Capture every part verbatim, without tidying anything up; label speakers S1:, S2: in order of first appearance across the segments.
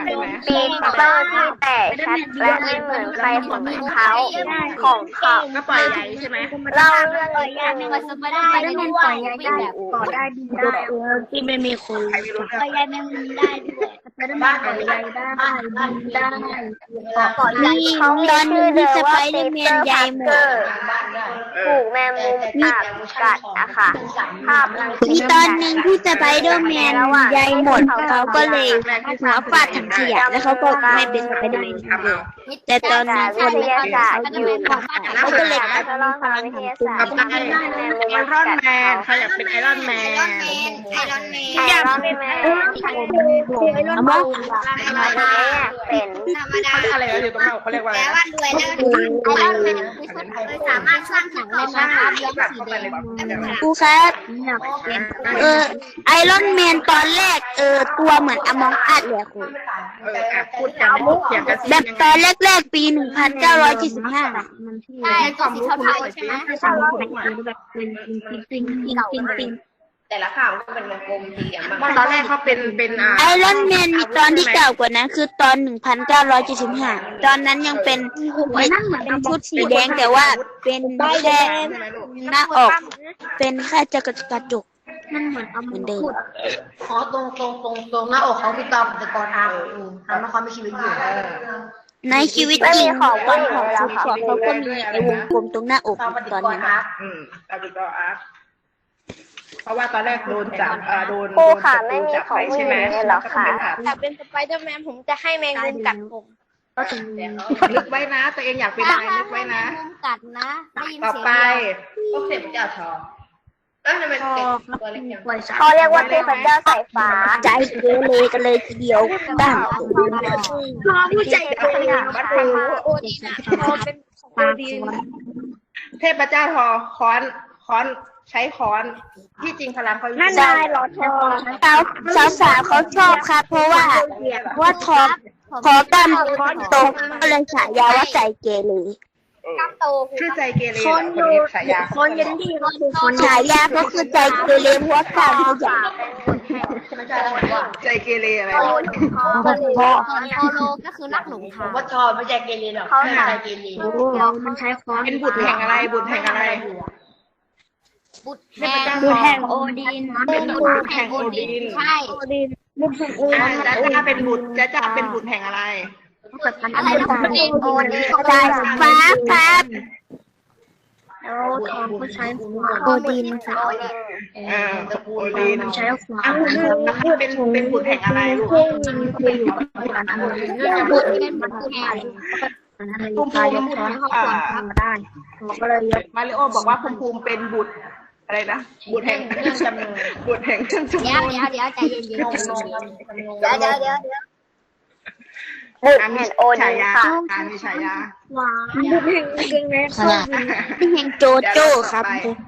S1: ใช่ไหม
S2: ปีเตอร์ที่แตกชัดและไม่เหมือนใครของเขาของเขา
S1: ก็ปล่อยใหญ่ใช่ไหม
S2: เล่าเรื่องนี้
S3: มันสไปเดอร์แมนเป็นปล่อยใหญ่ได้ต่อได้ดีได้ที่ไม่มีคน
S1: ใครไม่รู้เรื่อง
S3: ปล่อยใหญ่แมงมุมได้ด้วยสไปเดอร์แมนปล่อยใหญ่ได้ได้ต่อใหญ่
S2: เขา
S3: ตอนหนึ่งที่สไปเดอร์แมนใหญ่หมด
S2: ถูกแมงมุมกัดกัดอะค่ะภาพรังสี
S3: มีตอนหนึ่งที่สไปเดอร์แมนใหญ่หมดเขาก็เลยหัวฟาดถังขยะแล้วเขาก็ไม่เป็นสไปเดอร์แมนเลยแต่ตอนนี้คนแรกเขาอยู่เขาก็เลย
S2: ทดลองทางวิทยาศาสต
S1: กับ
S2: ร์
S1: ไอไอรอนแมนใครอยากเป็นไอรอนแมน
S2: ไอรอนแมนไอรอนแมน
S3: เอามา
S2: เป็น
S1: เขาเรียกอะไรนะอยู่ตรงนั้นเขาเรียกว่าอะไรนะ
S3: ไอรอนแมนคือสามารถสร้างถังได้ไหมครับย้อมสีแดงครูครับเออไอรอนแมนตอนแรกเออตัวเหมือนอมองอัดเลยครู
S1: เอออ่ะพูดกันเถียงกัน
S3: แบบตอนแรกๆปีหนึ่งพันเก้าร้อยเจ็ดสิบห้า
S1: ให้ความรู้คุณหน่อยสิให้ความรู้คุณหน่อย
S3: แบบเป็นปิงปิงปิงปิงปิง
S4: แต่ละข่าวก็เป็นวงกลมสี่เหลี่ยมบ้าง
S1: ตอนแรกเขาเป็นเป็นอ่า
S3: ไอรอนแมนมีตอนที่เก่ากว่านั้นคือตอนหนึ่งพันเก้าร้อยเจ็ดสิบห้าตอนนั้นยังเป็นเป็นชุดสีแดงแต่ว่าเป็นแค่หน้าอกเป็นแค่จะกระจกมันเหมือนเอาเหมือนเดิม
S4: อ๋อตรงตรงตรงตรงหน้าอกเขาพี่ตอมแต่ก่อนอาทำให้เขามีชีวิตอยู่
S3: ในชีวิตจริงของวันของชุดของเขาก็มีไอวงกลมตรงหน้าอก
S4: ตามปฏิ
S3: ตอน
S4: กร
S3: นั้น
S4: อาร์ต
S1: อืมตามดูต่ออาร์ตเพราะว่าตอนแรกโดนจับอ่าโดน
S2: ครู
S1: โดน
S2: ค่ะ
S1: จับ
S2: ไม่มี
S1: จับ
S2: ของ
S1: ไป
S2: ผู้ห
S1: ใช่
S2: ญิ
S1: ไหม
S2: งเลยเหรอคะ
S5: แต่เป็นสไปเดอร์แมนผมจะให้แมงมุมกัดผม
S1: นึกไว้นะตัวเองอยากเป็นอะไรนึกไว้นะ
S3: กัดนะได้ยิน
S1: ต่อ
S3: เสียง
S1: ไป
S4: ก็เสร็จเจ้าทองเอ้ยทำไมเป็นตัวเล็กอย่าง
S2: เขาเรียกว่าเทพเจ้าสายฟ้า
S3: ใจเกเรกันเลยทีเดียวบ้าง
S5: รอผู้ใจเย็น
S1: บัดฟังรู้
S5: โอดีนะเขาเป็นของโอดีน
S1: เทพเจ้าทอค้อนค้อนใช้ค้อนที่จริงพลังเขาอยู่
S3: ได้หรอทอสาวสาวเขาชอบครับ เพราะว่าว่าทอพอกันโตก็เลยฉายาว่าใจเกเร
S1: ชื่อใจเกเรคนนี้ฉายา
S5: คนยันดีก็คือคน
S3: ฉายาก็คือใจเกเรเพราะว่าการขยัน
S4: ไม่ใช่แล้วว่า
S1: ใจเกเรอะไร
S3: โอโลก็คือนักหลง
S4: ผ
S3: ทาง
S4: มว่าชอบไม่ใช่เกเรหรอกไม่ใช่เกเร
S5: มันใช้ค้อน
S1: เป็นบุตรแห่งอะไรบุตรแห่งอะไร
S3: บุตร
S1: เทพเจ้า
S5: ดู
S1: ทอ
S5: แห่งโอดีน
S1: เป็นบุตรแห่งโอดิน
S3: ใช่
S5: โอดีนบุกแห่งโอ
S1: อ่า
S5: ดีน
S1: จ้าจ้าเป็นบุตรจ้าจ้าเป็นบุตรแห่งอะไร
S3: อะไรนะบุตรเองโอดีใจฟ้าครับ
S5: แล้วทองก็ใช้หัว
S3: โอดีน
S2: โอดิน
S1: เออโอดิน
S5: ใช้หัว
S1: อ่ะเป็นเป็นบุตรแห่งอะไรลูก
S5: คุยอยู่กับอันนั้น
S3: บุตรเป็นบุตรแห่ง
S1: ภูมิภูมิอ่า
S5: ได้ผมก็เลยยก
S1: มาริโอบอกว่าภูมิภูมิเป็นบุตรอะไรนะบุตรแห่งบุตรแห่งเครื่องจุ่ม
S3: เดี๋ยวเดี๋ยวเดี๋ยวใจเย็นๆ
S4: งงงง
S3: เดี๋ยวเดี๋ยวเดี๋ยวเดี๋ยว
S2: บุตรแห่งโอดิ
S1: ฉาน ยา
S2: ค่ะ
S1: การมีฉายา
S5: หวานบุกแห่งเก่งแม่ส้ม
S3: แห่งโจโจ้ครับ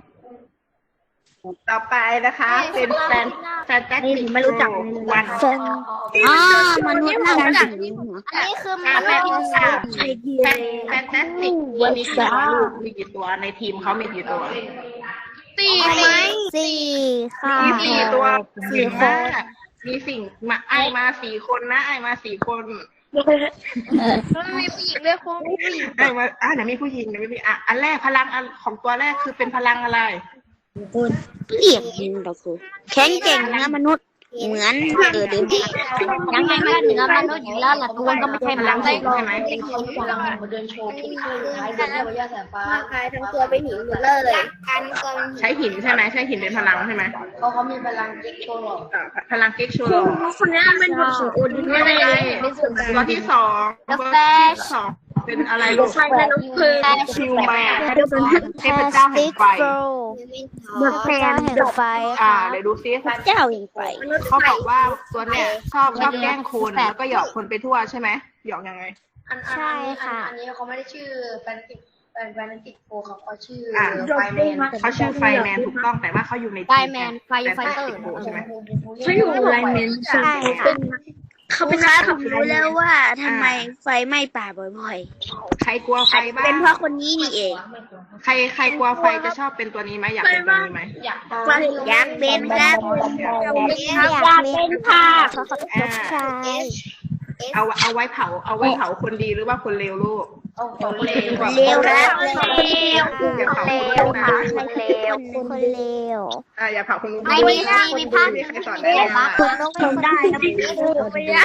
S1: ต่อไปนะคะ เป็นแฟนแฟนแจ็คติกวัน
S3: เซนอ๋อมนุษย์นั่งกันอันนี้คือม
S1: อ่า
S3: นุ
S1: แฟ
S3: ษ
S1: น
S3: ย์
S1: อ่าแฟนแฟนแจ็คติกมีกี่ตัวลูกมีกี่ตัวในทีมเขามีกี่ตัว
S3: สี่ไหมสี่ค่ะ
S1: มีสี่ตัวสี่คนมีสิ่งมาไอมาสี่คนนะไอมาสี่คน
S5: มันมีผู้หญิงด้วยคุณผู้หญิง
S1: ไอมาอ่าเดี๋ยวมีผู้หญิงเดี๋ยวมีผู้หญิงอ่ะอันแรกพลังอันของตัวแรกคือเป็นพลังอะไร
S3: เรียกยิงเราคือแข็งเก่งนะมนุษย์เหมือนเออเดินยังไงก็เหนือมนุษย์อยู่แล้วล่ะตัวก็ไม่ใช่พลังได้
S1: ใช่ไหม
S4: กำลังมาเดินโชว์ที่ท้ายเดินเรียกว่าย่าสายฟ้า
S5: กายทั้งตัวเป็นหินหมดเลยกันก็
S1: ใช้หินใช่ไหมใช้หินเป็นพลังใช่ไหม
S4: เขาเขามีพลังกิ๊กโชว์หรอก
S1: อ่าพลังเก๊กโชว์
S5: คนนี้เป็นบุตรของโอดีน
S1: ไม่
S5: ไม่
S1: ได้
S5: ได้
S1: ตัวที่สองตัวที่สองเป็นอะไรลูก
S5: ใช่แม่น้องเพลิง
S1: คิวแมนเทพเจ้าแห่งไฟ
S3: เดอะแฟนแห่งไฟ
S1: อ่าเดี๋ยวดูซิ
S3: เจ้าแห่งไฟ
S1: เขาบอกว่าตัวเนี้ยชอบชอบแกล้งคนแล้วก็หยอกคนไปทั่วใช่ไหมหยอกยังไง
S4: อันอันอันนี้เขาไม่ได้ชื่อแฟนติกแฟนแฟนติกโฟเขาเขาชื่อไฟแมน
S1: เขาชื่อไฟแมนถูกต้องแต่ว่าเขาอยู่ใน
S3: ไฟแมนไฟไฟเตอร์
S1: ใช่ไหม
S5: เขาอยู่ไลเมน
S3: ใช่ค่ะเขาเป็นนักขับรู้แล้วว่าทำไมไฟไหม้ป่าบ่อย
S1: ใครกลัวไฟ
S3: ๆ
S1: บ้า
S3: เป็น
S1: ง
S3: เพราะคนนี้นี่เอง
S1: ใครใครกลัวไฟจะชอบเป็นตัวนี้ไหมอยากเป็นตัวนี้ไหม
S4: อยาก
S3: อยากเป็นครับอยากเป็นค่ะเขาขอตกใจ
S1: เอาเอาไว้เผาเอาไว้เผาคนดีหรือว่าคนเลวลูก
S4: เอาของเลว
S3: เลวนะ
S1: อย่าเผา
S2: เล
S1: คน
S2: ว
S1: เลว
S2: ค่ะ
S1: นะ
S2: คนเลว
S3: คนเลว
S1: อ่าอย่าเผาคนรู้
S2: ไม่มีค่ะมีภาพ
S1: ไม่มีใครสอนได้เลยนะ
S3: คุณต้องทำได้นะไม่ได้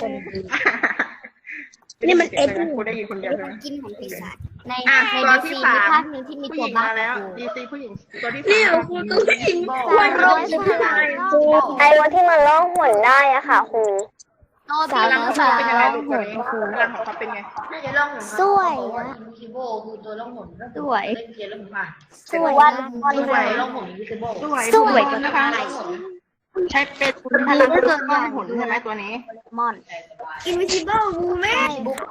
S3: นี่มันเอ็ด
S1: กูได้ยินคนเดียวใช่ไหม
S2: กินของปีศาจใน
S1: อ่ะ
S2: ใน
S1: ตัว
S2: ดี
S1: ที่
S2: ซี
S1: สา
S2: มี
S1: ม
S2: ภาคหนึ่งที่มี
S1: ผู้ห
S2: ตัว
S1: ญิง
S2: บ้า
S1: มาแล้วดีซีผู้หญิงตัวที่
S3: นี่
S1: สาม
S3: ครูตัวผู้หญิง
S2: วันโรสลาย ไอ้วันที่มันล่องหนได้อะค่ะครู
S1: พลังของเขาเป็นยังไงลูกตัวนี้พลังของเขาเป็นไง
S4: น่าจะล่องหน
S3: สวย
S4: นะ
S3: นะ
S4: อินวิซิโบคือตัวล่องหน
S3: สวย
S4: เล่นเกมแล้วผมผ่าน
S3: สวย
S2: วัน
S3: มาก
S2: วัน
S1: สวย
S4: ล่องหนอินวิซิโบ
S1: สวย
S3: สวย
S1: นะคะ ใช้เป็นพลังเรื่องล่องหนใช่ไหมตัวนี้
S3: มอน
S2: Invisible Woman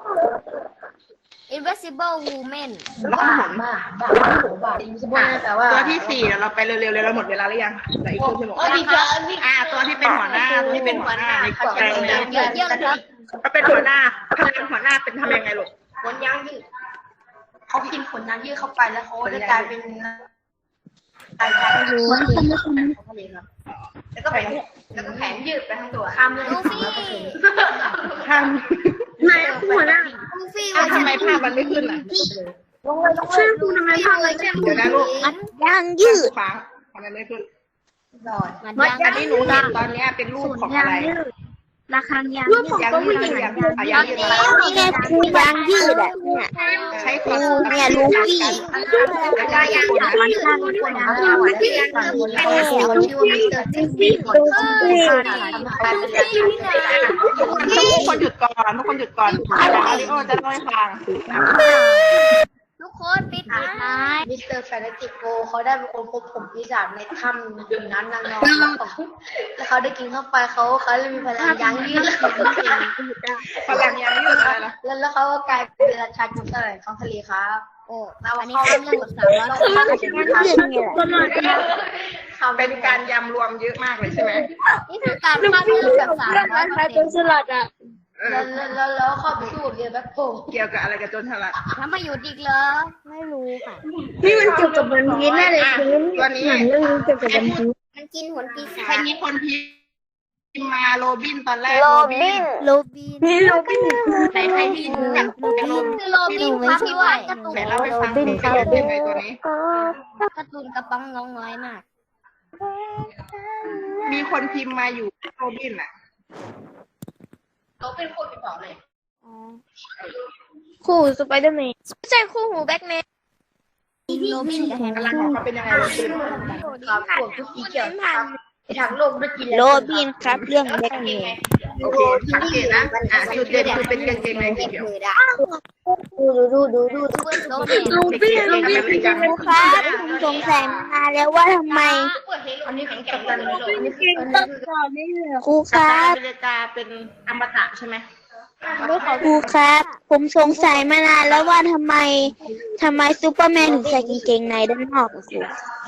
S2: Invisible Woman
S1: ล่องหน
S4: บ้าบ้าบ้าอินวิซิโบแต่ว่า
S1: ตัวที่สี่เดี๋ยวเราไปเร็วๆเลยเราหมดเวลาหรือยังเหลืออีกครึ่งชั่วโมง
S4: โอ้ดีเกินนี่
S1: อ่าตัวที่เป็นหัวหน้าตัวที่เป็นหัวหน้าในกลุ่มแรงเลย
S2: เยอะเยอะเลยครับ
S1: ก็เป็นหัวหน้าพลังหัวหน้าเป็นทำยังไงลูก
S4: ขนยางยืดเขากินขนยางยืดเข้าไปแล้วเขาจะกลายเป็นกลายเป็นคนแล้วก็แผงแล้วก็แผงยืดไปทั้งตัวข้ามเรื่อง
S2: ลูฟี่
S1: ข้าม
S3: นายหัวหน้า
S2: ลูฟี่
S1: อ้าวทำไมภาพมันไม่ขึ้นล่ะ
S3: ชื่อคุณทำไมภาพเลยแค่
S1: เดี๋ยวนะลูก
S3: มันยางยืด
S1: ฟ้าทำไมไม่ขึ้น
S4: หลอด
S3: มัน
S1: อันนี้หนูเห็นตอนเนี้ยเป็นรูปของอะไร
S3: ราคายางรูปของ
S1: ยัง
S3: ตัว
S1: ยื
S3: ผู้
S1: ด
S3: หญิง
S1: ยังอ่ะยังยืดอะไร
S3: นี่ไงครูยางยืดอ่ะเนี่ย
S1: ใช้ความ
S3: เนี่ยลูฟี่
S1: แล้วก็ยางยืด
S3: มันข้างคนยางยืด
S4: ที่ยังเป็นชื่อว่ามิสเตอร์จิมมี่
S1: ทุกคนหยุดก่อนทุกคนหยุดก่อนอาริโอจะเล่าให้ฟัง
S2: ทุกคนปิดท้าย
S4: มิสเตอร์แฟนติโกเขาได้เป็นคนพบผมปีศาจในถ้ำอยู่นั้นนางนอนแล้วเขาได้กินเข้าไปเขาเขาเลยมีพลังยางยืด
S1: พลังยางยืดอะไรล่ะ
S4: แล้วแล้วเขาก็กลายเป็นราชาจุดอะไรของทะเลครับ
S2: โอ้
S4: เรา
S2: อันนี้
S4: เข้า
S2: เป็น
S4: เรื่
S2: เรื่
S4: อ
S2: อง ง
S4: ข
S2: ข
S4: อ
S2: อง ง
S4: สา
S2: สาม ม
S4: ร้
S2: ร้
S4: อ
S2: อย ย
S1: เป็นการยำรวมเยอะมากเลยใช่ไหม
S2: นี่คือการภาพเรื่องแบบสามร้อยเปอร์เซ็นต์
S3: สลัดอ่ะ
S4: แล้วแล้วแล้วเข้าไปสู้เรียนแบ็คโฮ
S1: เกี่ยวกับอะไรกับโจนฉลาด
S2: ถ้ามาอยู่อีกเหรอไม่รู้ค่ะ
S3: นี่มันเกี่ยวกับวันพีชแน่เลยคือ
S1: ตัวนี้
S3: หนังเรื่องนี้เกี่ยวกับวันพีช
S2: มันกินหนปีศา
S1: ใคร
S2: จ
S1: มีคนพิมพ์มาโรบินตอนแรก
S2: โรบินโรบิน
S3: นี่เราเป็น
S1: ใครใครที่รู้จักโรบิน
S2: คือโรบินครับด้วยการ์ตูน
S1: ไหนเล่าให้ฟังเป็นการเล่นยังไงตัวนี้
S2: การ์ตูนกระป๋องน้องน้อยมาก
S1: มีคนพิมพ์มาอยู่โรบินอ่ะ
S4: เขาเป็นคนไปบอกเลย
S3: คู่สไปเดอร์แมน
S2: ไม่ใช่คู่หูแบ็กแมนโรบินกับแฮร์
S1: พลังของเขาเป็นยังไงโรบิน
S4: ครับพวกทุกสีเขียวครับทางโลกได้กิน
S3: โรบินครับเรื่องแบ็คเมน
S1: โอเคสังเกตนะอ่ะจุดเด่นคือเป็นกางเกงในสีเขียว
S2: ดูดูดูดูดูโรบิน
S3: โรบินโรบินครูครับผมสงสัยมานานแล้วว่าทำไม
S4: อันนี้แข็งแกร่งกันเลย
S3: ครูค
S1: กัป
S3: รั
S1: ตัน
S3: บ
S1: อเมริกาเป็นอมตะใช่ไหม
S3: ครูครับ ผมสงสัยมานานแล้วว่าทำไมทำไมซูเปอร์แมนถึงใส่กางเกงในด้านนอกอะครู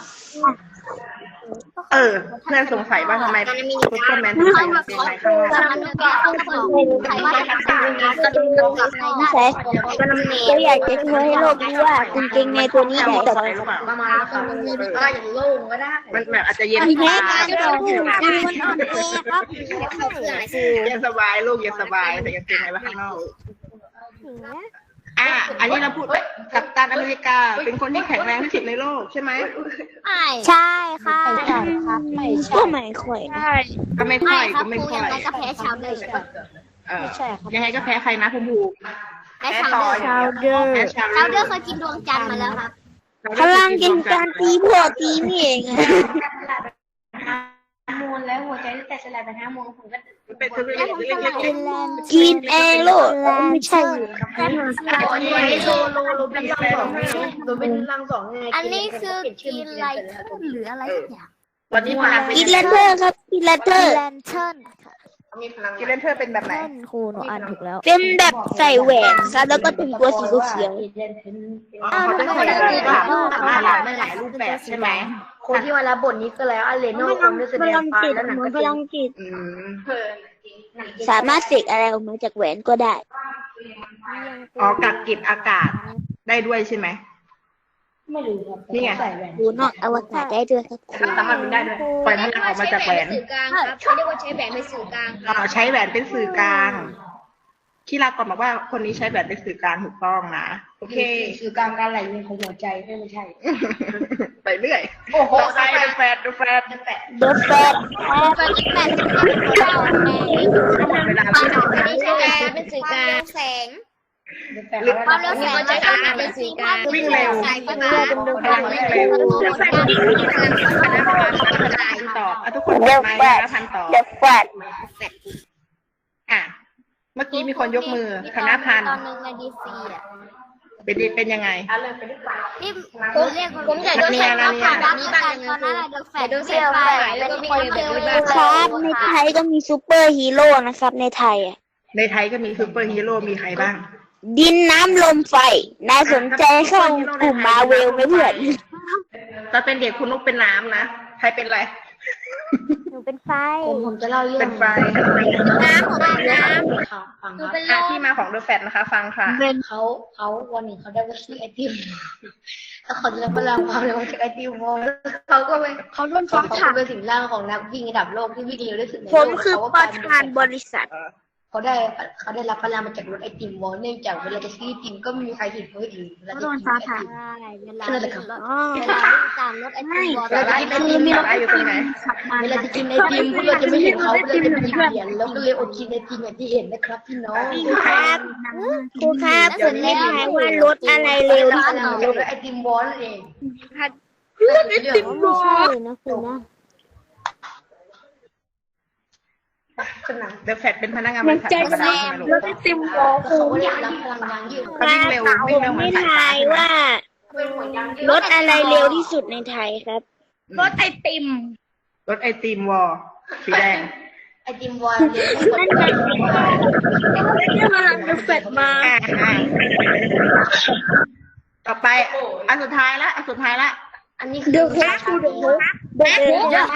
S1: เออเพื่อนสงสัยว่าทำไมซูเปอร์แมนถึงใส่กางเกงในข้างนอก
S2: มันก็คือใครว่าจะทำงานกระดูกกับใน
S3: สงสัยก็อยากจะช่วยให้โลกรู้ว่ากางเกงในตัวนี้ใหญ่
S1: ใส่
S3: กว่า
S1: หรือเปล่า
S4: ประมาณนั้นก็อย่างโล่งก็ได้
S1: มันแบบอาจจะเย็น
S3: แม่
S1: สบาย
S3: ก็บอกคือมันอ่อนแอครับ
S1: เย็นสบายลูกเย็นสบายใส่กางเกงในไว้ข้างนอกอ่ะอันนี้เราพูดกัปตันอเมริกาเป็นคนที่แข็งแรงที่สุดในโลกใช่ไหม
S2: ใช่ค่ะ
S3: ก็ไม่ค่อย
S1: ก็ไม่ค่
S2: ไม่
S1: อย
S2: ครั
S1: ก็
S2: บ
S1: ไม่
S2: ครู
S1: ค่อ
S2: ยัง
S1: ย
S2: ไงก็แพ้ชาวเดิม
S1: เออยังไงก็แพ้ใครนะคุณภู
S2: แพ้ชาวเดิม
S3: ชาวเดอร์
S1: แพ้ชาว
S2: ชาวเดิมเคยกินดวงจันทร์มาแล้วครับ
S3: พลังกินการตีพ่อตีนี่เองอะ
S4: มูลแล้วหัวใจแต่สลายไปห้าโมงผมก็
S1: เป็นตัวเล็กๆเล็ก
S3: กินเองโลดไม่ใช่
S4: โลโลโลเป็นร่างสองโลเป็นร่างสองไง
S2: อันนี้คือกินอะไรหรืออะไรสักอย่าง
S1: ๆวันนี้พลัง
S3: กินแลนเทอร์ครับกินแลนเทอร์
S2: แลนเทิร์นค่ะ
S1: มีพลังกินเลนเทอร์เป็นแบบไหน
S2: ครูหนูอ่านถูกแล้ว
S3: เป็นแบบใส่แหวนครับแล้วก็เป็นตัวสีเขียว
S1: อ๋อเขาจะใส่รูปแบบมาหลายหลายรูปแบบใช่ไหม
S4: คนที่มารับบทนี้ก็แล้วอเลโน่คงได้แสดงไปแล้วหนังก็
S3: พลังจิต
S1: อืม
S3: สามารถเสกอะไรออกมาจากแหวนก็ได้
S1: อ๋อกักเก็บอากาศได้ด้วยใช่ไหม
S4: ไม่รู้ครับ
S1: นี่ไง
S4: ใส่แหวน
S3: ดูนอกอวกาศได้ด้วยครับครู
S1: สามารถเป็นได้ด้วยปล่อยพลังออกมาจากแหวน
S2: สื่อกลางครับเขาเรียกว่าใช้แหวนเป็นสื่อกลาง
S1: อ๋อใช้แหวนเป็นสื่อกลางที่ลาก่อนบอกว่าคนนี้ใช้แบบเป็นสื่อกลางถูกต้องนะโอเค
S4: คือกลางการไหลเวียนของหัวใจไม่ใช่
S1: ไปเรื่อย
S4: โอ้โห
S1: ต่อไปดูแฟดดูแฟด
S4: แปะ
S3: เดอะแฟต
S5: เป็นแปดสิบเก้าแม่
S1: หมดเวลาแล้ว
S5: อันนี้ใช่ไหมเป็นสื่อกลางแสง ความเร็วแสงก็จะเป็นสื่อกลาง
S1: วิ่งเร็ว
S5: สายไฟ
S1: พ
S5: ฟ้า
S1: ลังวิ่งเร็วตอบอ่ะทุกคนเปิดไมค์นะพันตอบ
S3: เดอะแฟต
S1: อ่ะเมื่อกี้มีคนยกมือคณะพัน
S5: ตอนนึงในดีซีอ่ะ
S1: เป็นเป็นยังไง
S5: ที่ผมเรียกผมอยากโดนแสงฟ้าผ่านแบบนี้บ้างตอนนั้นโดนแสงโดนแสงไฟแล้วก็มีคนเดิน
S3: ครับในไทยก็มีซูเปอร์ฮีโร่นะครับในไทยอ่ะ
S1: ในไทยก็มีซูเปอร์ฮีโร่มีใครบ้าง
S3: ดินน้ำลมไฟน่าสนใจเข้ากลุ่มมาเวลไหมเพื่อน
S1: ตอนเป็นเด็กคุณนุกเป็นน้ำนะใครเป็นอะไร
S3: หนูเป็นไฟ
S4: ผมผมจะเล่าเรื่อ
S1: เป็
S4: ง
S1: นไฟ
S5: น้ำของน้
S4: ค่ะฟัง
S5: ำ
S4: ค
S5: คือ
S4: รับ
S5: เป็นล
S1: อ่ะ
S5: ม
S1: ที่มาของเดอะแฟตนะคะ ฟังค่ะ
S4: เขาเขาวันหนึ่งเขาได้ไปซื้อไอติมแล้วเขาจะรับพลังความเร็วจากไอติมวอลเขาก็ไปเขาโดนฟ้าผ่าเป็นสิ่งร่างของนักวิ่งระดับโลกที่วิ่งเร็วที่สุดในโลก
S3: ผมคือประธานบริษัท
S4: เขาได้เขาได้รับพลังมาจากรถไอติมวอลเนื่องจากเวลาจะซื้อไอติมก็ไม่มีใครเห็นเขาอีกเวลาจะกินไอติม
S5: ใช่เวลา
S4: นั่นแหละครับ
S3: อ๋อ
S5: เวลาวิ่งตามรถไอติมบอล
S1: สาระคือมีสาระอยู่ตรงไหน
S4: เวลาจะกินไอติมพวกเราจะไม่เห็นเขาเราจะเป็นเหรียญแล้วก็เลยอดกินไอติมอย่างที่เห็นนะครับพี่น้อง
S3: ครับครูครับผมไม่ทายว่ารถอะไรเร็วที่สุดในโลก
S4: ไอติมวอลเอง
S3: รถไอติมไม่ใช่นะคุณนะ
S4: ขนาด
S1: เดอะแฟตเป็นพนักงานบริษัทธรรมดาใช่ไหมลูก
S3: รถไอติมวอล
S4: เขาได้รับพลังงานยืด
S1: เขาวิ่งเร็ววิ่งเร็วเหมือน
S3: ไม่
S1: สายฟ้า
S3: ทายว่า รถอะไรเร็วที่สุดในไทยครับ
S1: รถไอติมรถไอติมวอลสีแดง
S4: ไอติมวอลเยอะ
S3: นั่นไงที่พลังเดอะแฟตมา
S1: อ่าอ่าต่อไปอันสุดท้ายละอันสุดท้ายละ
S4: อันนี้คือ
S3: เดอะแฟตคือเดอะแฟตเดอะแฟต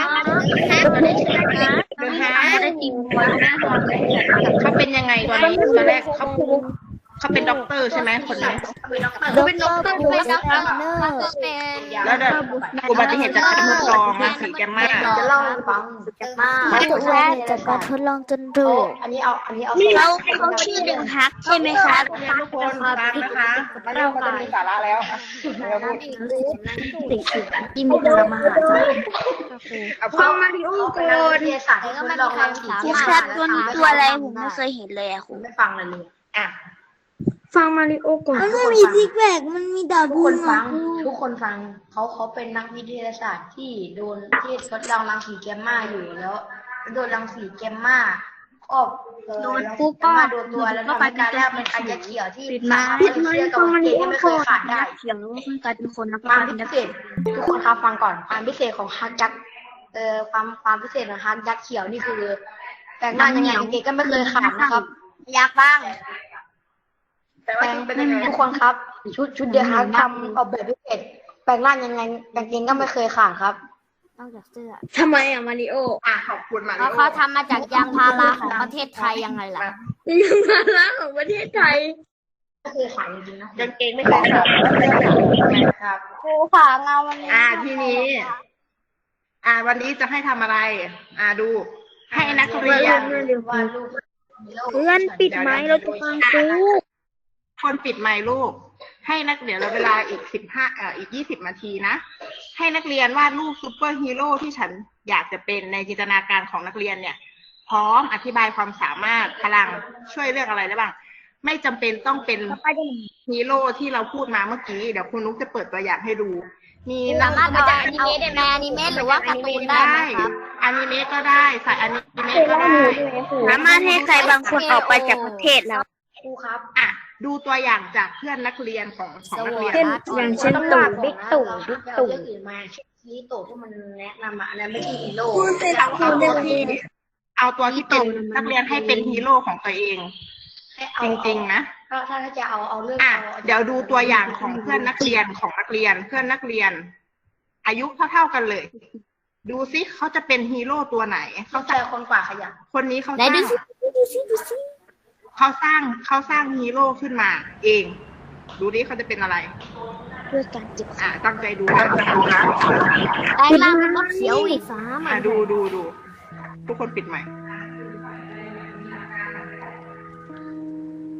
S1: เดอะฮาร์ดเขาเป็นยังไงตอนนี้ตอนแรกเขาเขาเป็นด็อกเตอร์ใช่ไหมคนนี้
S5: เขาเป็นด็อกเตอร์เป็นด็อกเตอร์เขาเป็น
S1: แล้วเดี๋ยวอุบัติเหตุจากการทดลองรังสีแกมมา
S4: จะเล่าให้ฟังจะมา
S3: อุบัติเหตุจากการทดลองจนถูก
S4: อันนี้เอาอันนี้เอา
S3: เขาเขาชื่อเดอะฮักใช่ไหมครับ
S1: ทุกคนฟังนะคะมาเริ่มก็จะมีสาระแล้วเดี๋ยวพูด
S3: ที่มีพลังมหาศาล
S1: เอาฟังมาดิ
S4: วิทยาศาสตร์ที่ทดลองรังสี
S3: ครูครับตัวนี้ตัวอะไรผมไม่เคยเห็นเลยอะครู
S4: ไม่ฟังเลยเลย
S1: อ่ะ
S3: มันไม่มีซิกแพคมันมีดาว
S4: ทุก
S3: บุ
S4: ค
S3: ญ
S4: นฟังทุกคนฟังเขาเขาเป็นนักวิทยาศาสตร์ที่โดนที่ทดลองรังสีแกมมาอยู่แล้วโดนรังสีแกมมาก็โดนปุ๊บก็โดนตัวแล้วทำให้การแรกเป็นอัญเขียวที่สามารถเชื่อกับเกณฑ์ที่ไม่เคยขาดได้
S3: เขียงแล้วก็กลายเป็นคนนะ
S4: ความพิเศษทุกคนครับฟังก่อนความพิเศษของฮักยักษ์เอ่อความความพิเศษของฮักยักษ์เขียวนี่คือแปลงร่างยังไงเกณฑ์ก็ไม่เคยขาดนะครับ
S5: อยากบ้าง
S1: แต่ว่าเป็นยังไง
S4: ทุกคนครับ ชุดชุดเดียวฮักทำออกแบบพิเศษแปลงร่างยังไงกางเกงก็ไม่เคยขาดครับ
S5: นอกจากเสื้อ
S3: ทำไมอะมาริโอ
S1: อ่ะขอบคุณมา
S5: เพราะเขาทำมาจากยางพาราของประเทศไทยยังไงล่ะ
S3: ยังมาล้างของประเทศไทย
S4: ไม่เคยขาดจริงๆนะ
S1: กางเกงไม่เคยขาดครับ
S5: ครูค่ะเงาวันนี้
S1: อ่าทีนี้ อ่า วันนี้จะให้ทำอะไร อ่าดู ให้นักเรียน
S4: วาดรูป
S3: เพื่อนปิดไม้เราจะฟังครู
S1: คนปิดไมค์ลูก ให้นักเดี๋ยวเราเวลาอีกสิบห้าเอ่ออีกยี่สิบนาทีนะ ให้นักเรียนวาดรูปซูเปอร์ฮีโร่ที่ฉันอยากจะเป็นในจินตนาการของนักเรียนเนี่ย พร้อมอธิบายความสามารถพลังช่วยเรื่องอะไรได้บ้าง ไม่จำเป็นต้องเป็นฮีโร่ที่เราพูดมาเมื่อกี้ เดี๋ยวคุณนุ๊กจะเปิดตัวอย่างให้ดู มีนั
S5: สาก มารถเอาอนิเมะได้ไหมอนิเมะหรือว่าการ์ตูนได้ไหมครับ
S1: อนิเมะก็ได้ใส่อนิเมะก็ได้
S3: สามารถให้ใครบางคนออกไปจากประเทศเรา
S4: ครูครับ
S1: อ่ะดูตัวอย่างจากเพื่อนนักเรียนของของนักเรียน
S3: เช่นอย่างเช่นตู่บิ๊กตู่บิ๊กตู่
S4: เรื่องอื่นมาเช่นฮีโร่ที่มันแนะนำมาอันนั้นไม่ใช่ฮีโร่
S1: เอาเอาตัวที่เอาตัวที่เป็นนักเรียนให้เป็นฮีโร่ของตัวเอง จริงๆนะ
S4: ถ้าถ้าจะเอาเอาเรื่อง
S1: อ่ะเดี๋ยวดูตัวอย่างของเพื่อนนักเรียนของนักเรียน เพื่อนนักเรียน อายุเท่าๆกันเลย ดูซิเขาจะเป็นฮีโร่ตัวไหน
S4: เขา
S1: เขา
S4: เจ
S1: จะ
S4: อคนกว่าขยัน
S1: คนนี้เขา
S5: ไหน
S1: สร้าง
S5: ดูสิดูสิดูสิ
S1: เขาสร้างเขาสร้างฮีโร่ขึ้นมา เอง ดูดิเขาจะเป็นอะไร
S3: เพื่อการจิบ
S1: อ่ะตั้งใจดูนะดูนะ
S5: แปลงร่างเป็นรถเขียวอีกสาม
S1: อ่ะดูดูดูทุกคนปิดใหม่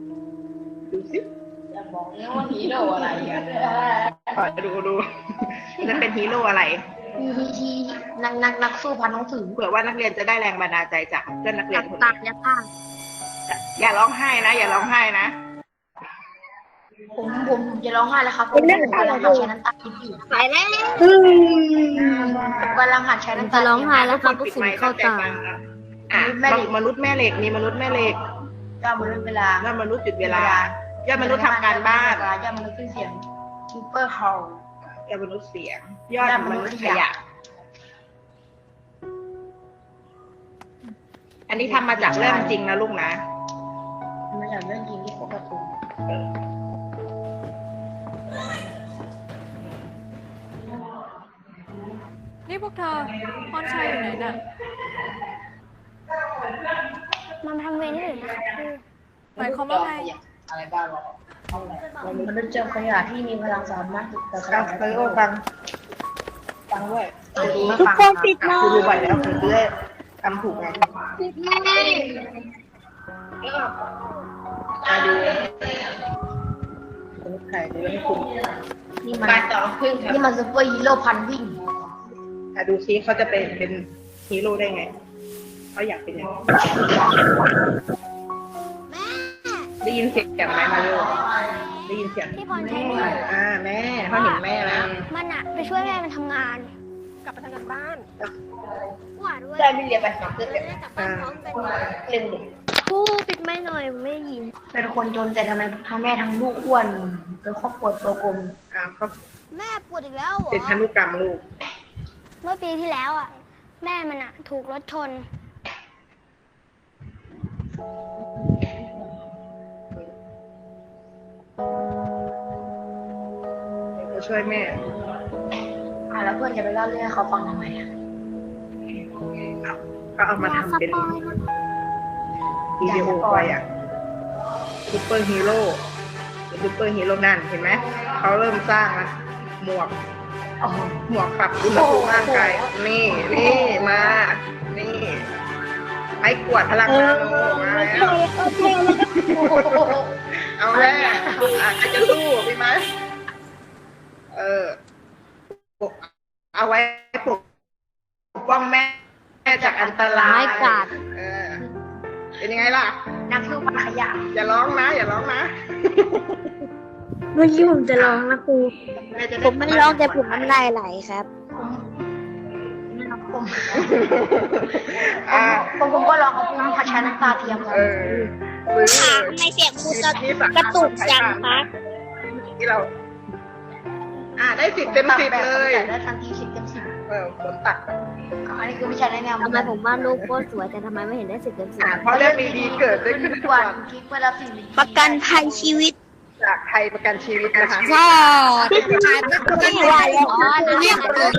S1: ดูสิ
S4: อย่าบอกนะว่าฮีโร่อะไรอ่ะ
S1: ขอดูดูจะเป็นฮีโร่อะไร
S4: มีทีนักนักนักสู้พันน้องถือ
S1: เผื่อว่านักเรียนจะได้แรงบันดาลใจจากเพื่อนนักเรียนคน
S5: ตา
S1: นี้
S5: เนี่ยค่ะ
S1: อย่าร้องไห้นะอย่าร้องไห้นะ
S4: ผมผมผมจะร้องไห้แล้วครับผมกำลังหัดใช้น้ำตาคิดอยู่
S5: สายแล้ว
S4: ผมกำลังหัดใช้น้ำตา
S5: จะร้องไห้แล้วครับ
S1: ปิดไมค์เข้าใจฟังนะอ่ะมนุษย์แม่เหล็กมีมนุษย์แม่เหล็ก
S4: ย่อมนุษย์เวลาย
S1: อดมนุษย์หยุดเวลายอดมนุษย์ทำการบ้าน
S4: ย่อมมนุษย์ขึ้นเสียงซูเปอร์ฮอล
S1: ยอดมนุษย์เสียง ยอดมนุษย์ขยะ อันนี้ทำมาจากเรื่องจริงนะลูกนะ
S4: มาจากเรื่องจริงที่พวกการ์ตูน
S6: นี่พวกเธอพรชัยอยู่ไหนน่ะ
S5: มันทำเวรนี่เลยนะคะครู
S6: หมายความว่าไง
S4: อะไรบ้างหรอมนุษย์เจอขยะที่มีพลังสามารถแต่ข
S1: ฟั
S4: ยะ
S1: งเออฟัง ฟังด้วย
S3: ทุกคนปิดไม
S1: คือดู
S3: ค์
S1: บ่อยแล้วคือจะได้ทำถูกไง
S5: ปิดไม่
S1: มาดูมนุษย์ไข่ดูให้คุณ
S4: นี่มัน
S1: ไปต่อพึ่งครับ
S4: นี่มันซูเปอร์ฮีโร่พันวิ่ง
S1: อ่ะดูซิเขาจะเป็นเป็นฮีโร่ได้ไง เขาอยากเป็นยังไง
S5: แม่
S1: ได้ยินเสียงไหมมาดูได้ยินเสียง
S5: ที่พรชัย
S1: แม่อ่าแม่เขาเห็นแม่แล้ว
S5: มันอะไปช่วยแม่มันทำงาน
S6: กลับไปทำงานบ้าน
S5: กว่าด้วย
S4: ได้ไม่เรียนไปหาเพื่อน
S5: จะได้กลับบ้านพร้อมกัน
S4: เล่นเด็ก
S5: ครูปิดไม่หน่อยไม่ได้ยิน
S4: เป็นคนจนแต่ทำไมทั้งแม่ทั้งลูกอ้วนเป็นครอบครัวตัวกลม
S1: อ่าเขา
S5: แม่ปวดอีกแล้วเหรอ
S1: เป็นพันธุกรรมลูก
S5: เมื่อปีที่แล้วอ่ะ แม่มันอ่ะ ถูกรถชน
S1: จะช่วยแม่
S4: อ่ะแล้วเพื่อนจะไปเล่าเรื่องให้เขาฟังทำไมอ่ะ
S1: ก็เอามาทำเป็นวิดีโอไปอ่ะซูเปอร์ฮีโร่ซูเปอร์ฮีโร่นั่นเห็นไหม เขาเริ่มสร้างแล้วหมวก
S4: อ๋อ
S1: หมวกปรับอุณหภูมิร่างกาย นี่ นี่ มา นี่ไม้กวาดพลังนาโนมาแล้ว เอาแล้วอ่ะใครจะสู้พี่ไหมเออ เอาไว้ปกป้องแม่จากอันตราย
S5: ไม้กวาด
S1: เออ เป็นยังไงล่ะ
S4: นักสู้พันขยะ
S1: อย่าร้องนะ อย่าร้องนะ
S3: เมื่อกี้ผมจะร้องนะครู
S1: แจะด้
S3: ผมไม่ร้องแต่ผมน้ำลายไหลครับ
S4: ผม
S1: อ่า
S4: ผมผมก็ลองเอาพุ่งพัชน้ำตาเทียม
S1: เออซื้อ
S3: ค่ะทำไมเสียงครูจะกระตุกจังคะ
S1: ที่เรา อ่า ได้สิบเต็มสิบเลย
S4: ได้ทันทีสิบเต็มสิบ
S1: เออผลตัด
S4: อันนี้คือวิชาแนะนำ
S5: ทำไมผมว่าลูกโคตรสวยแต่ทำไมไม่เห็นได้สิบเต็มสิบ
S1: อ่าเพราะเรื่องดีๆเกิดได้ขึ้นทุกวัน
S4: คลิปเวลาสิ่งดี
S3: ประกันภัยชีวิต
S1: จากไทยประกันชีวิตนะคะ
S3: ใช่ไม่ว่าแล้ว
S5: อ๋อนะเนี่ย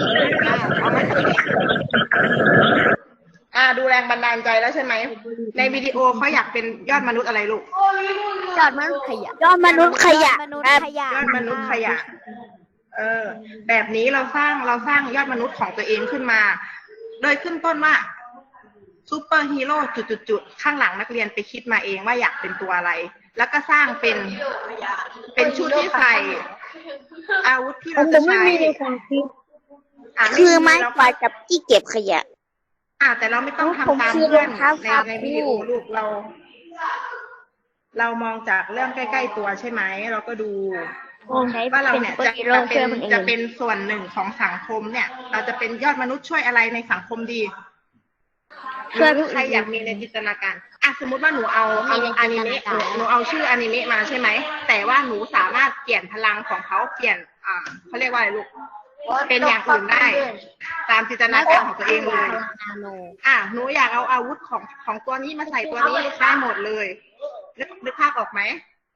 S1: อ่า ดูแรงบันดาลใจแล้วใช่ไหม ในวิดีโอเขาอยากเป็นยอดมนุษย์อะไรลูก
S5: จอดมันขยะ
S3: ยอดมนุษย์ขยะ
S5: มนุษ
S3: ค
S5: ย์
S3: รับ
S5: ขยะ
S1: ยอดมนุษย์ขยะ เออ แบบนี้เราสร้างเราสร้างยอดมนุษย์ของตัวเองขึ้นมา โดยขึ้นต้นว่าซูเปอร์ฮีโร่จุดๆๆข้างหลังนักเรียนไปคิดมาเองว่าอยากเป็นตัวอะไร แล้วก็สร้างเป็น เป็นชุดที่ใส่ อาวุธที่เราจะใช้อ่ะ
S3: คือไม้
S1: แล้ว
S3: กวาดกับที่เก็บขยะ
S1: อ่ะแต่เราไม่ต้อง
S3: ผม
S1: ทำตาม
S3: คือ
S1: เพื่อน
S3: รองเท้า
S1: ใน
S3: ครับ
S1: ในวิดีโอลูกเรา เรามองจากเรื่องใกล้ๆตัวใช่ไหม เราก็ดู
S3: ใช้
S1: ว่าเรา
S3: เป็น
S1: เนี่ย
S3: ซุปเปอ
S1: จะ
S3: ร์ฮีโร่
S1: จะเป็
S3: ช่วน ยคนอื่น
S1: จะเป็นส่วนหนึ่งของสังคมเนี่ย เราจะเป็นยอดมนุษย์ช่วยอะไรในสังคมดี
S3: ช่วยผู้
S1: ใคร
S3: อื่น
S1: อยากมีในจินตนาการอ่ะสมมติว่าหนูเอาเอาอนิเมะหนูหนูเอาชื่ออนิเมะมาใช่ไหมแต่ว่าหนูสามารถเปลี่ยนพลังของเขาเปลี่ยน อ่าเขาเรียกว่าอะไรลูก เป็นอย่างอื่นได้ ตามจินตนาการของตัวเองเลย
S5: นาโน
S1: อ่ะหนูอยากเอาอาวุธของของตัวนี้มาใส่ตัวนี้ได้หมดเลยนึกนึกภาพออกไหม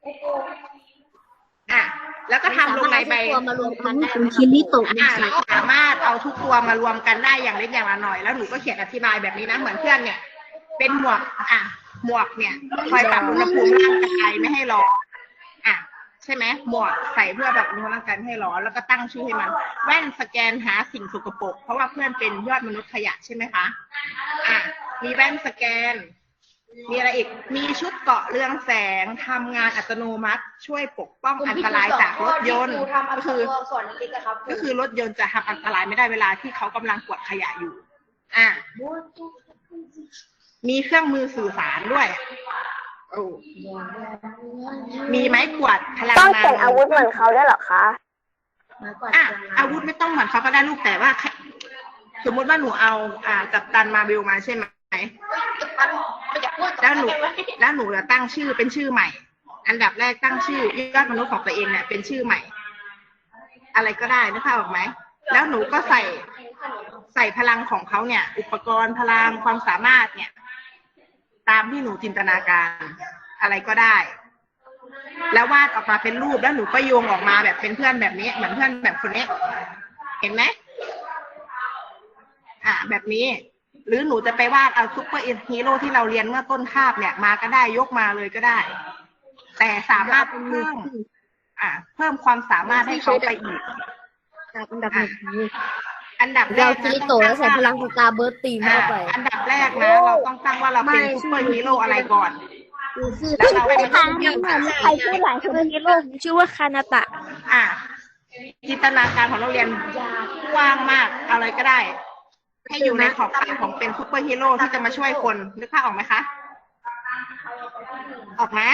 S1: อ่ะแล้วก็ทำลงในใบ
S5: ตัวมารวมกันได้ไหม
S3: คิริโตะ
S1: อ่ะสามารถเอาทุกตัวมารวมกันได้อย่างเล็กอย่างละหน่อยแล้วหนูก็เขียนอธิบายแบบนี้นะเหมือนเพื่อนเนี่ย เป็นหมวกอ่ะหมวกเนี่ยคอยปรับอุณหภูมิร่างกายไม่ให้ร้อนอ่ะใช่ไหมหมวกใส่เพื่อแบบอุณหภูมิร่างกายไม่ให้ร้อนแล้วก็ตั้งชื่อให้มันแว่นสแกนหาสิ่งสกปรกเพราะว่าเพื่อนเป็นยอดมนุษย์ขยะใช่ไหมคะอ่ะมีแว่นสแกนมีอะไรอีกมีชุดเกราะเรืองแสงทำงานอัตโนมัติช่วยปกป้องอันตรายจากรถยนต์ก็คือก็คือรถยนต์จะทำอันตรายไม่ได้เวลาที่เขากำลังกวาดขยะอยู่อ่ะมีเครื่องมือสื่อสารด้วยโอ้มีไม้กวาดพลัง
S2: ต้อง
S1: งาน
S2: เป็นอาวุธเหมือนเขาด้วยเหรอคะ
S1: อ่ะอาวุธไม่ต้องเหมือนเขาก็ได้ลูกแต่ว่า สมมติว่าหนูเอาอ่ากัปตันมาเบลมาใช่ไหมแล้วหนูแล้วหนูจะตั้งชื่อเป็นชื่อใหม่ อันดับแรกตั้งชื่อยอดมนุษย์ของตัวเองเนี่ยเป็นชื่อใหม่ อะไรก็ได้นึกภาพออกไหมแล้วหนูก็ใส่ใส่พลังของเขาเนี่ย อุปกรณ์พลังความสามารถเนี่ย ตามที่หนูจินตนาการอะไรก็ได้ แล้ววาดออกมาเป็นรูปแล้วหนูก็โยงออกมาแบบเป็นเพื่อนแบบนี้เหมือนเพื่อนแบบคนนี้เห็นไหมอ่าแบบนี้ หรือหนูจะไปวาดเอาซุปเปอร์ฮีโร่ที่เราเรียนเมื่อต้นคาบเนี่ยมาก็ได้ยกมาเลยก็ได้ แต่สามารถเพิ่มอ่าเพิ่มความสามารถให้เขาไปอีกอันดับอันดับแร
S5: เรา
S1: ก
S5: คิริโตะแล้วใส่พลังสตาร์เบิร์ดตีมเข้าไป
S1: อันดับแรกนะเราต้องตั้งว่าเราเป็นซุปเปอร์ฮีโร่อะไรก่อนแล้วเราไป
S3: ทางนี้เหมือนใครชื่อหลายคนในโลกชื่อว่าคานาตะ
S1: อ่ะจินตนาการของนักเรียนกว้างมากอะไรก็ได้ ให้อยู่ในขอบข่ายของเป็นซุปเปอร์ฮีโร่ที่จะมาช่วยคนนึกภาพออกไหมคะออกไหม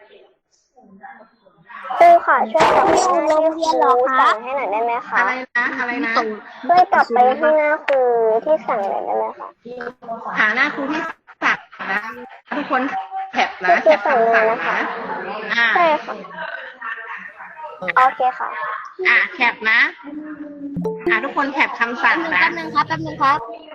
S2: ครูค่ะช่วยกลับไปให้หน้าที่ครูสั่งให้หน่อยได้ไหมคะ
S1: อะไรนะอะไรนะ
S2: ช่วยกลับไปให้หน้าครูที่สั่งหน่อยได้ไหมคะ
S1: หาหน้าครูที่สั่งนะทุกคนแคปนะแคปคำสั่งนะอ่า
S2: ใช่ค่ะโอเคค่ะ
S1: อ่าแคปนะอ่าทุกคนแคปคำสั่งนะ
S5: แป๊บนึงครับแป๊บนึงครับ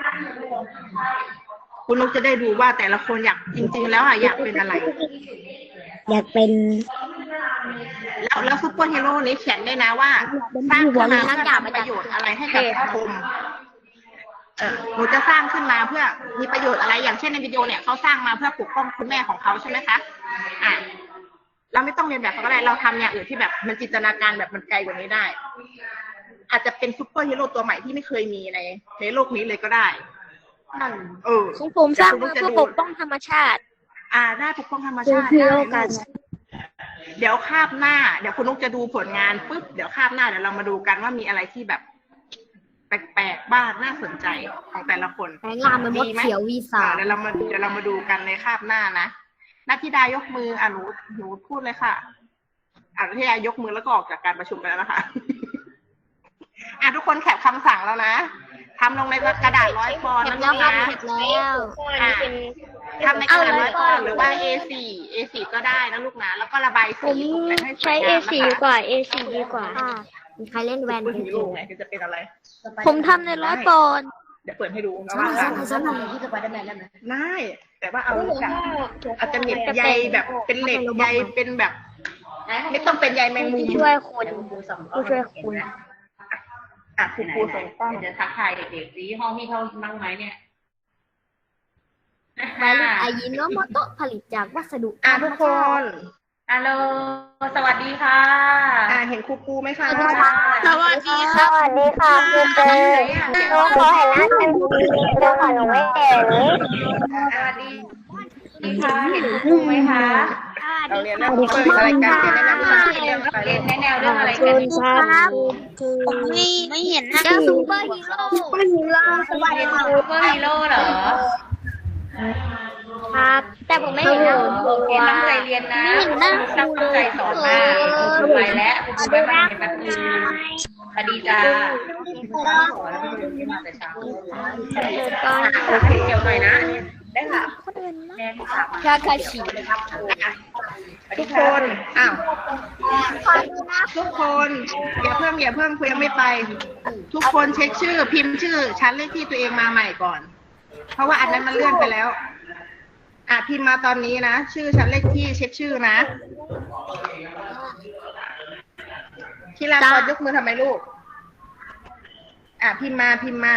S1: คุณนุกจะได้ดูว่าแต่ละคนอยากจริงๆแล้วอ่ะอยากเป็นอะไร
S3: อยากเป็น
S1: แล้วแล้วซุปเปอร์ฮีโร่นี้เขียนได้นะว่าสร้างขึ้นมาเพื่อทำประโยชน์อะไรให้กับสังคมเออหนูจะสร้างขึ้นมาเพื่อมีประโยชน์อะไรอย่างเช่นในวิดีโอเนี่ยเขาสร้างมาเพื่อปกป้องคุณแม่ของเขาใช่ไหมคะอ่ะเราไม่ต้องเรียนแบบเขาก็ได้เราทำอย่างอื่นที่แบบมันจินตนาการแบบมันไกลกว่านี้ได้ อาจจะเป็นซุปเปอร์ฮีโร่ตัวใหม่ที่ไม่เคยมีในในโลกนี้เลยก็ได้เออ
S3: ของผมสร้างมาเพื่อปกป้องธรรมชาติ
S1: อ่าได้ปกป้องธรรมชาติ
S3: ฮีโร่
S1: ได้
S3: กัน
S1: เดี๋ยวคาบหน้าเดี๋ยวคุณนุกจะดูผลงานปุ๊บเดี๋ยวคาบหน้าเดี๋ยวเรามาดูกันว่ามีอะไรที่แบบ แปลกๆบ้างน่าสนใจของแต่ละคน
S5: แปลงร่างเป็นมดเขียววีสา
S1: อ่าเดี๋ยวเรามาเดี๋ยวเรามาดูกันในคาบหน้านะนัทธิดายกมืออ่ะหนูหนูพูดเลยค่ะอ่ะนัทธิดายกมือแล้วก็ออกจากการประชุมไปแล้วนะคะ อ่ะทุกคนแคปคำสั่งแล้วนะทำลงในกระดาษร้อยปอนด์
S5: เห็
S1: นะ
S5: น
S1: ลู
S5: แล้ว
S1: ก
S5: ครับ
S1: นะ
S5: เห็นแล้ว
S1: อ่ะทำในกระดาษร้อยปอนด์หรือว่า เอ โฟร์ เอ โฟร์ ก็ได้นะลูกนะแล้วก็ระบาย
S3: ผ
S1: สี
S3: ม
S1: ตกแต่งให้ส
S3: ใช้
S1: วย
S3: เอง
S1: าม
S3: สี่
S1: นะ
S3: ดี
S1: คะ
S3: กว่า เอ สี่ ดีกว่า
S5: มีใครเล่นแวน
S1: คุณ
S5: จริ
S1: ฮี
S5: ง
S1: โร่ไหนจะเป็นอะไร
S3: ผมทำในร้อยปอนด์
S1: เดี๋ยวเปิดให้ดูนะ
S4: ซ้ำห
S1: ว่า
S4: น่อยซ้ำหน่อยซ้ำหน่อยที่สไปเดอร์แมนได้ไหม
S1: ได้แต่ว่าเอาแบบอาจจะเน็ตใยแบบเป็นเหล็กใยเป็นแบบ ไม่ต้องเป็นใยแมงมุม
S3: ผู้ช่วยคนผู้ช่วยคน
S1: อ่ะครูครูส่งกล้อง
S7: จะทักทายเด็กๆสิห้องพี่เขาบ้างไหมเนี่ย
S5: แบรนด์อายิโนโมโตะผลิตจากวัสดุ
S1: อ่ะทุกคน
S7: ฮัลโหล สวัสดีค่ะ
S1: อ่ะเห็นครูครูไหมคะ
S3: สวัสดี
S2: สวัสดีค่ะครูเจนหนูขอเห็นหน้าเต็มทีดูค่ะหนูไม่เห็น
S7: สวัสดีค่ะเห็นครูไหมคะ
S1: เราเรียนเรื่องเปิดอะไรกันเรียนแนะนำวิชาเรียนไป
S7: เรียนแนวเรื่องอะไร
S3: คุ
S7: กัน
S3: ณครับผมไม่ไม่เห็นหน้า
S5: เจ้า
S3: ครู
S5: ซูเปอร์ฮีโร่
S7: สวัสดีค่ะซูเปอร์ฮีโร่เหรอ
S5: ครับ แต่ผมไม่เห็นหน้าครู
S7: เรียนตั้งใจเรียนนะตั้งใจสอนมากครูไปแล้วครูไปบ้านเรียนแบบนี้สวัสดีจ้าแล้วก็เรียนมาแต่เช้าเกี่ยวหน่อยนะได้ค่ะแม่ค่ะ
S5: ชาคาชิ
S1: ทุกคนอ้าวทุกคนอย่าเพิ่งอย่าเพิ่งคุยยังไม่ไป ทุกคนเช็คชื่อ พิมพ์ชื่อชั้นเลขที่ตัวเองมาใหม่ก่อน เพราะว่าอันนั้นมันเลื่อนไปแล้ว อ่ะพิมพ์มาตอนนี้นะชื่อชั้นเลขที่เช็คชื่อนะทีละคนยกมือทำไมลูก อ่ะพิมพ์มาพิมพ์มา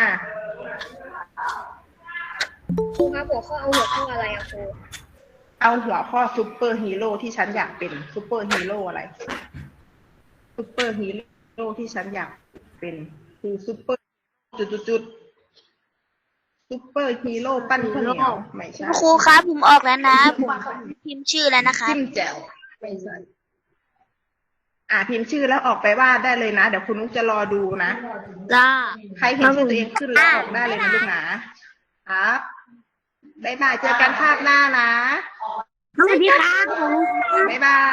S5: ครูครับหัวข้อเอาหัวข้ออะไรอะครู
S1: เอาหัวข้อซูเปอร์ฮีโร่ที่ฉันอยากเป็นซูเปอร์ฮีโร่อะไรซูเปอร์ฮีโร่ที่ฉันอยากเป็นคือซูเปอร์จุดจุดจุดซุปเปอร์ฮีโร่ปั้นข้าวเหนียวไม่ใช่
S3: ครูครับผมออกแล้วนะ ผมพิมพ์ชื่อแล้วนะคะ
S1: จิ้มแจ่วไม่ใช่อ่าพิมพ์ชื่อแล้วออกไปวาดได้เลยนะ เดี๋ยวคุณนุ๊กจะรอดูนะ
S3: จ้า
S1: ใครเห็นชื่อตัวเองขึ้นแล้วออกได้เลยนะลูกนะครับบ๊ายบายเจอกันภาพหน้านะ
S3: สวัสดีครับ
S1: บ๊ายบาย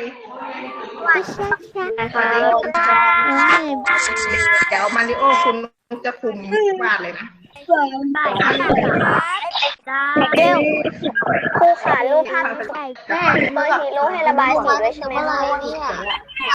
S1: เดี๋ยวมาริโอคุณนุ๊กจะคุมวาดเลยนะ
S2: เร็วครูขารูปภาพแม่ซูเปอร์ฮีโร่ให้ระบายสีด้วยใช่ไหมคะ